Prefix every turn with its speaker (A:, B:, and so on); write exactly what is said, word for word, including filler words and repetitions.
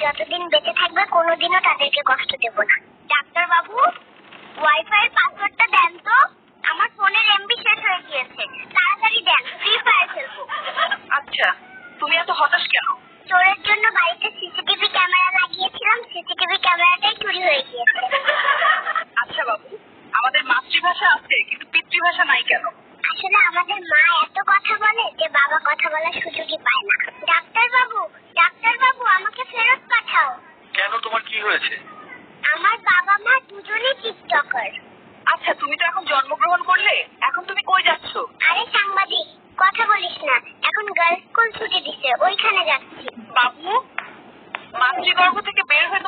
A: যতদিন বেঁচে থাকবে কোনোদিনও তাদেরকে কষ্ট দেব না। ডাক্তার বাবু, ওয়াইফাই এর পাসওয়ার্ডটা দেন তো, আমার ফোনের এমবি শেষ হয়ে গিয়েছে। তাড়াতাড়ি দেন, ফ্রি ফায়ার খেলবো।
B: আচ্ছা, তুমি এত হতাশ কেন?
A: চোরের জন্য বাড়িতে সিসিটিভি ক্যামেরা লাগিয়েছিলাম, সিসিটিভি ক্যামেরাটাই চুরি হয়ে গিয়েছে।
B: আচ্ছা বাবু, আমাদের মাতৃভাষা আছে কিন্তু পিতৃভাষা নাই কেন?
A: আসলে আমাদের মা এত কথা বলে যে বাবা কথা বলার সুযোগই পায় না। ডাক্তার বাবু, ডাক্তার বাবু, আমাকে ফেরত পাঠাও।
C: কেন, তোমার কি হয়েছে?
A: আমার বাবা মা দুজনেই টিকটকার।
B: আচ্ছা, তুমি তো এখন জন্মগ্রহণ করলে, এখন তুমি কই যাচ্ছ?
A: আরে সাংবাদিক, কথা বলিস না, এখন গার্লস স্কুল ছুটি দিছে, ওইখানে যাচ্ছি।
B: বাবু, মাতৃগর্ভ থেকে বের হয়ে